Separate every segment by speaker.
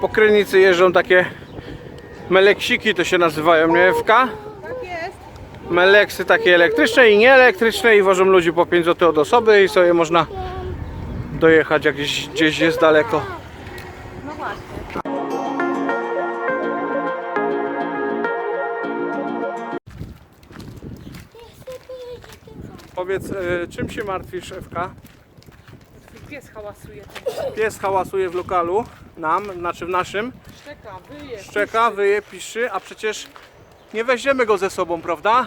Speaker 1: Po Krynicy jeżdżą takie meleksiki, to się nazywają, nie Ewka?
Speaker 2: Tak jest.
Speaker 1: Meleksy takie elektryczne i nieelektryczne i wożą ludzi po 5 zł od osoby i sobie można dojechać jak gdzieś jest daleko.
Speaker 2: No właśnie.
Speaker 1: Powiedz, czym się martwisz, Ewka?
Speaker 2: Pies hałasuje.
Speaker 1: Pies hałasuje w lokalu, znaczy w naszym.
Speaker 2: Szczeka, wyje.
Speaker 1: Szczeka, wyje, piszczy, a przecież nie weźmiemy go ze sobą, prawda?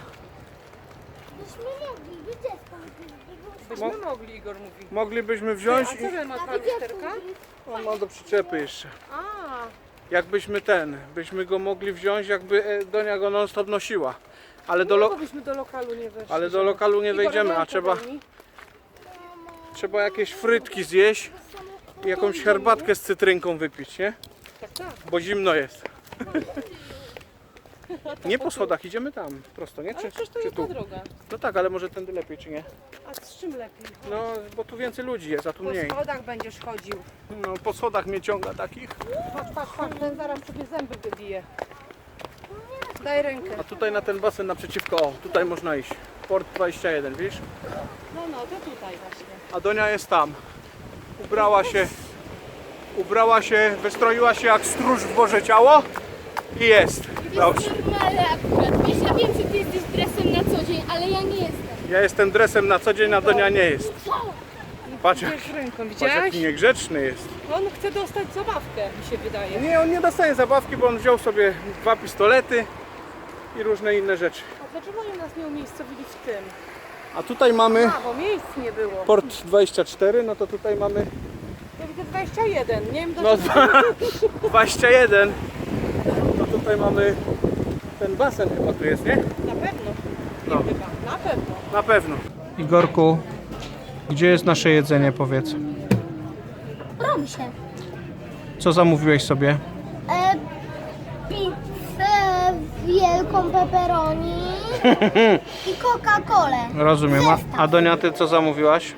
Speaker 2: Byśmy mogli, Igor mówi.
Speaker 1: Moglibyśmy
Speaker 2: A
Speaker 1: wziąć
Speaker 2: co ten ma dwa lusterka?
Speaker 1: On ma do przyczepy jeszcze.
Speaker 2: A,
Speaker 1: Byśmy go mogli wziąć, jakby Donia go non stop nosiła. Ale
Speaker 2: no byśmy do lokalu nie weszli.
Speaker 1: ale do lokalu nie
Speaker 2: Igor,
Speaker 1: wejdziemy, a
Speaker 2: rękę daj mi.
Speaker 1: trzeba jakieś frytki zjeść i jakąś herbatkę z cytrynką wypić, nie?
Speaker 2: Tak, tak.
Speaker 1: Bo zimno jest. Nie po schodach, idziemy tam, prosto, nie?
Speaker 2: Ale przecież to
Speaker 1: czy
Speaker 2: jest
Speaker 1: tu?
Speaker 2: ta droga.
Speaker 1: No tak, ale może tędy lepiej, czy nie?
Speaker 2: A z czym lepiej?
Speaker 1: No, bo tu więcej ludzi jest, a tu
Speaker 2: Po
Speaker 1: mniej.
Speaker 2: schodach będziesz chodził.
Speaker 1: No, po schodach mnie ciąga takich.
Speaker 2: Patrz, ten zaraz sobie zęby wybije. Daj rękę.
Speaker 1: A tutaj na ten basen naprzeciwko, o, tutaj można iść. Port 21, widzisz?
Speaker 2: No, to tutaj właśnie.
Speaker 1: A Donia jest tam. Ubrała się, wystroiła się jak stróż w Boże ciało i jest. Dobrze.
Speaker 3: Normalne akurat. Wiesz, ja wiem, że ty jesteś dresem na co dzień, ale ja nie jestem.
Speaker 1: Ja jestem dresem na co dzień, a Donia nie jest. Patrz,
Speaker 2: Bierz ręką,
Speaker 1: patrz
Speaker 2: widziałeś?
Speaker 1: jaki niegrzeczny jest.
Speaker 2: On chce dostać zabawkę, mi się wydaje.
Speaker 1: Nie, on nie dostaje zabawki, bo on wziął sobie 2 pistolety i różne inne rzeczy.
Speaker 2: A dlaczego oni nas nie umiejscowili w tym?
Speaker 1: A tutaj mamy
Speaker 2: A, bo miejsc nie było.
Speaker 1: port 24, no to tutaj mamy
Speaker 2: Ja widzę 21, nie wiem
Speaker 1: no,
Speaker 2: dlaczego.
Speaker 1: 21. No tutaj mamy ten basen chyba tu jest, nie?
Speaker 2: Na pewno.
Speaker 1: No.
Speaker 2: Chyba, na pewno.
Speaker 1: Na pewno. Igorku, gdzie jest nasze jedzenie, powiedz?
Speaker 3: Robi się.
Speaker 1: Co zamówiłeś sobie?
Speaker 3: Pizzę wielką pepperoni i Coca-Colę.
Speaker 1: Rozumiem. A Donia, ty co zamówiłaś?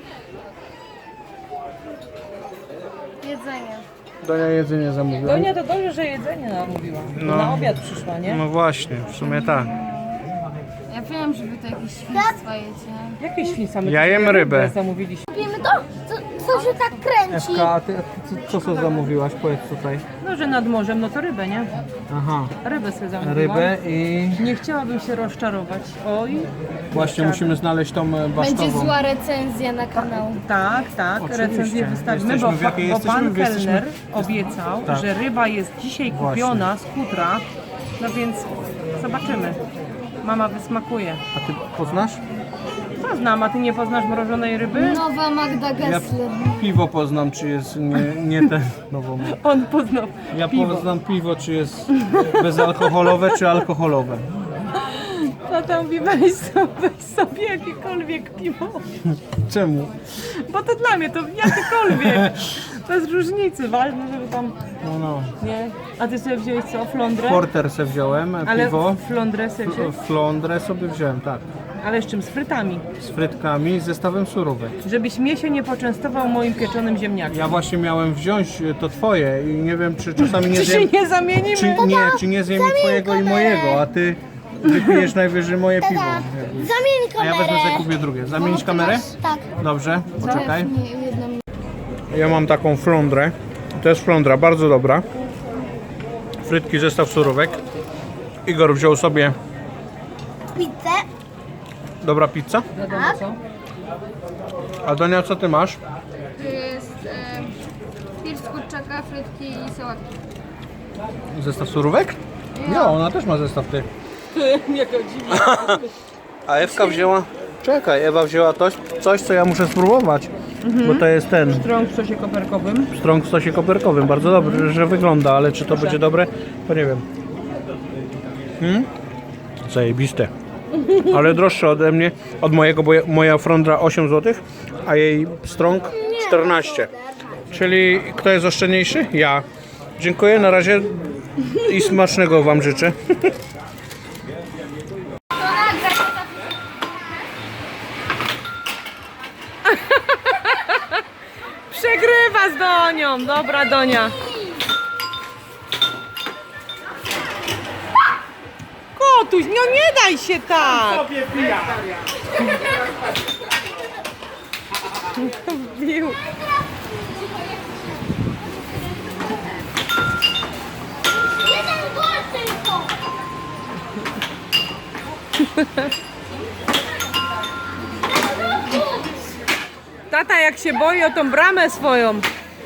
Speaker 3: Jedzenie.
Speaker 1: Donia jedzenie zamówiła.
Speaker 2: Donia to dobrze, że jedzenie namówiła.
Speaker 1: No.
Speaker 2: Na obiad przyszła, nie?
Speaker 1: No właśnie, w sumie tak.
Speaker 4: Ja wiem, że wy to jakieś świństwa jecie.
Speaker 2: Jakie świństwa? My
Speaker 1: Ja
Speaker 2: tutaj
Speaker 1: jem rybę.
Speaker 2: zamówiliśmy.
Speaker 3: Robimy to? Co się tak kręci?
Speaker 1: a ty co zamówiłaś? Powiedz tutaj.
Speaker 2: No, że nad morzem, no to rybę, nie?
Speaker 1: Aha,
Speaker 2: Rybę sobie zamówiłam.
Speaker 1: i
Speaker 2: Nie chciałabym się rozczarować. Oj.
Speaker 1: właśnie musimy znaleźć tą
Speaker 4: Będzie
Speaker 1: basztową.
Speaker 4: zła recenzja na kanał.
Speaker 2: Tak,
Speaker 1: Oczywiście.
Speaker 2: recenzję wystawimy,
Speaker 1: Jesteśmy
Speaker 2: bo,
Speaker 1: w jakiej
Speaker 2: bo
Speaker 1: jesteśmy?
Speaker 2: pan
Speaker 1: Jesteśmy-
Speaker 2: kelner obiecał,
Speaker 1: Tak.
Speaker 2: że ryba jest dzisiaj kupiona z kutra, no więc zobaczymy. Mama wysmakuje.
Speaker 1: A ty poznasz?
Speaker 2: Co znam, a ty nie poznasz mrożonej ryby?
Speaker 4: Nowa Magda Gessler.
Speaker 1: Piwo poznam, czy jest nie ten nową.
Speaker 2: On poznał
Speaker 1: Ja
Speaker 2: piwo.
Speaker 1: poznam piwo, czy jest bezalkoholowe, czy alkoholowe.
Speaker 2: No to mówi, weź sobie jakiekolwiek piwo.
Speaker 1: Czemu?
Speaker 2: Bo to dla mnie to jakiekolwiek. Bez różnicy, ważne, żeby tam,
Speaker 1: No.
Speaker 2: nie? A ty sobie wziąłeś co, flądrę?
Speaker 1: Porter se wziąłem,
Speaker 2: Ale
Speaker 1: piwo.
Speaker 2: flądrę sobie wziąłeś?
Speaker 1: Flądrę sobie wziąłem, tak.
Speaker 2: Ale z czym? Z frytami.
Speaker 1: Z frytkami i zestawem surówek.
Speaker 2: Żebyś mnie się nie poczęstował moim pieczonym ziemniakiem.
Speaker 1: Ja właśnie miałem wziąć to twoje i nie wiem, czy czasami nie
Speaker 2: Czy się
Speaker 1: zjem,
Speaker 2: nie zamienimy?
Speaker 1: czy nie zjem i twojego i mojego, a ty wypijesz najwyżej moje piwo.
Speaker 3: Zamień
Speaker 1: A ja
Speaker 3: kamerę.
Speaker 1: wezmę sobie kupię drugie. Zamienić kamerę?
Speaker 3: Tak.
Speaker 1: Dobrze, poczekaj.
Speaker 4: Nie, jedną
Speaker 1: Ja mam taką flądrę. To jest flądra, bardzo dobra. Frytki, zestaw surówek. Igor wziął sobie
Speaker 3: Pizzę.
Speaker 1: dobra pizza.
Speaker 2: Wiadomo co?
Speaker 1: A Donia, co ty masz?
Speaker 4: To jest pierś z kurczaka, frytki i sałatki.
Speaker 1: Zestaw surówek? Nie, ona też ma zestaw ty.
Speaker 2: Jaka dziwna.
Speaker 1: A Ewka wzięła... Czekaj, Ewa wzięła coś, co ja muszę spróbować. Bo to jest ten
Speaker 2: Strąg w sosie koperkowym.
Speaker 1: strąg w sosie koperkowym. Bardzo dobrze, że wygląda, ale czy to będzie dobre? To nie wiem. Zajebiste. Ale droższe ode mnie, od mojego, bo moja flądra 8 zł, a jej strąg 14. Czyli kto jest oszczędniejszy? Ja. Dziękuję, na razie i smacznego wam życzę.
Speaker 2: Przegrywa z Donią. Dobra, Donia. tatuś, no nie daj się tak!
Speaker 1: Sobie pija.
Speaker 2: Bił.
Speaker 3: Jeden gol tylko!
Speaker 2: Tata jak się boi o tą bramę swoją.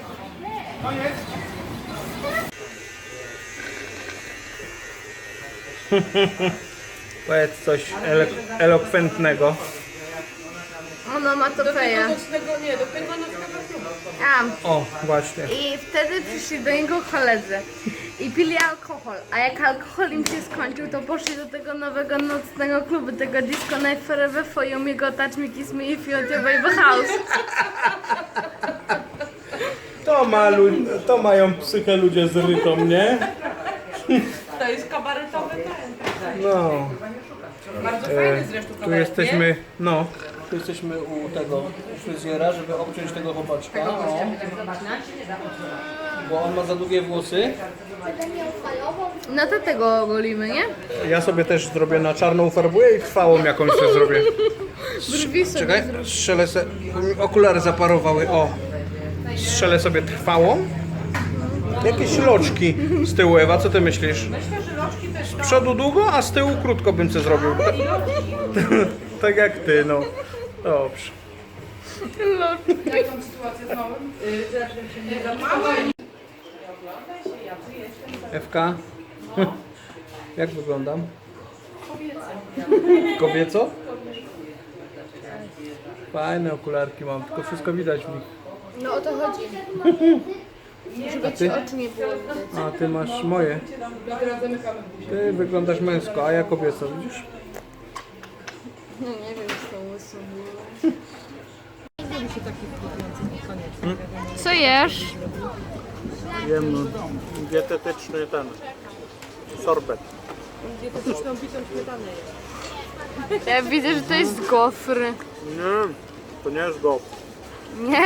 Speaker 1: Powiedz coś elokwentnego.
Speaker 4: Ona ma to feja.
Speaker 2: Nie, do tego nocnego klubu.
Speaker 1: O, właśnie.
Speaker 4: I wtedy przyszli do niego koledzy i pili alkohol. A jak alkohol im się skończył, to poszli do tego nowego nocnego klubu, tego Disco Night Forever for You, Me Go Touch Me, Kiss Me If You Want Your Baby House.
Speaker 1: To mają psychę ludzie z rytą, nie?
Speaker 2: To jest kabaretowy ten.
Speaker 1: No.
Speaker 2: Bardzo fajny zresztą
Speaker 1: Tu
Speaker 2: kabaret,
Speaker 1: jesteśmy, no. Tu jesteśmy u tego fryzjera, żeby obciąć tego chłopaczka. O. Bo on ma za długie włosy.
Speaker 4: No to tego ogolimy, nie?
Speaker 1: Ja sobie też zrobię na czarną farbuję i trwałą jakąś sobie zrobię.
Speaker 4: Brwi sobie
Speaker 1: Czekaj, strzelę sobie. Okulary zaparowały. O. Strzelę sobie trwałą. Jakieś loczki z tyłu, Ewa, co ty myślisz? Z przodu długo, a z tyłu krótko bym co zrobił. Tak jak ty, no. Dobrze. Ewka? Jak wyglądam? Kobieco. Fajne okularki mam, tylko wszystko widać w nich.
Speaker 4: No o to chodzi.
Speaker 1: A ty?
Speaker 4: Oczu nie było widać.
Speaker 1: A ty masz moje. Ty wyglądasz męsko, a ja kobieco, widzisz?
Speaker 4: No nie wiem, co to łysą. Co jesz?
Speaker 1: Jem dietetyczny ten sorbet.
Speaker 2: Dietetyczną bitą śmietanę jest.
Speaker 4: Ja widzę, że to jest gofr.
Speaker 1: Nie, to nie jest go.
Speaker 4: Nie?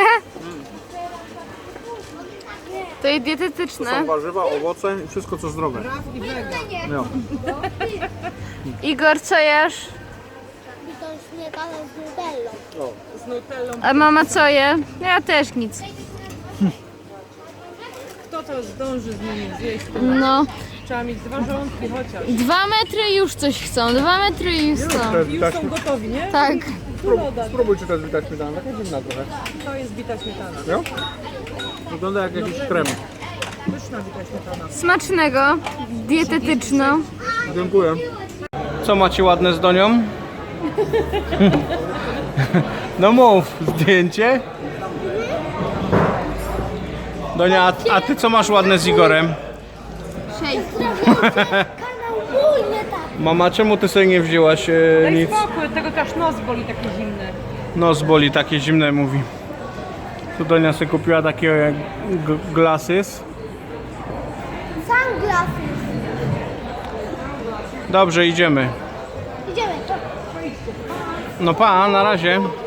Speaker 4: To jest
Speaker 1: To
Speaker 4: dietetyczne.
Speaker 1: są warzywa, owoce i wszystko co zdrowe.
Speaker 2: I wega.
Speaker 1: No.
Speaker 4: Igor, co jesz?
Speaker 3: Bitą śmietanę z nutellą.
Speaker 2: Z nutellą.
Speaker 4: A mama co je? Ja też nic.
Speaker 2: Kto to zdąży z nimi zjeść?
Speaker 4: No.
Speaker 2: Trzeba mieć 2 żołądki chociaż.
Speaker 4: 2 metry już coś chcą. 2 metry i już chcą.
Speaker 2: I już są gotowi, nie?
Speaker 4: Tak.
Speaker 1: Spróbuj czy to jest bita śmietana, taka dziwna trochę.
Speaker 2: To jest bita śmietana.
Speaker 1: No? Wygląda jak jakiś krem.
Speaker 2: Pyszna bita śmietana.
Speaker 4: Smacznego. Dietetyczną.
Speaker 1: Dziękuję. Co macie ładne z Donią? No mów, zdjęcie. Donia, a ty co masz ładne z Igorem?
Speaker 3: Kanał mój, nie tak.
Speaker 1: Mama, czemu ty sobie nie wzięłaś
Speaker 2: Daj
Speaker 1: nic?
Speaker 2: spokój, tego też nos boli taki zimny.
Speaker 1: Nos boli, takie zimne mówi. Tu Donia sobie kupiła takie glasses.
Speaker 3: Sunglasses.
Speaker 1: Dobrze, idziemy.
Speaker 3: Idziemy.
Speaker 1: No pa, na razie.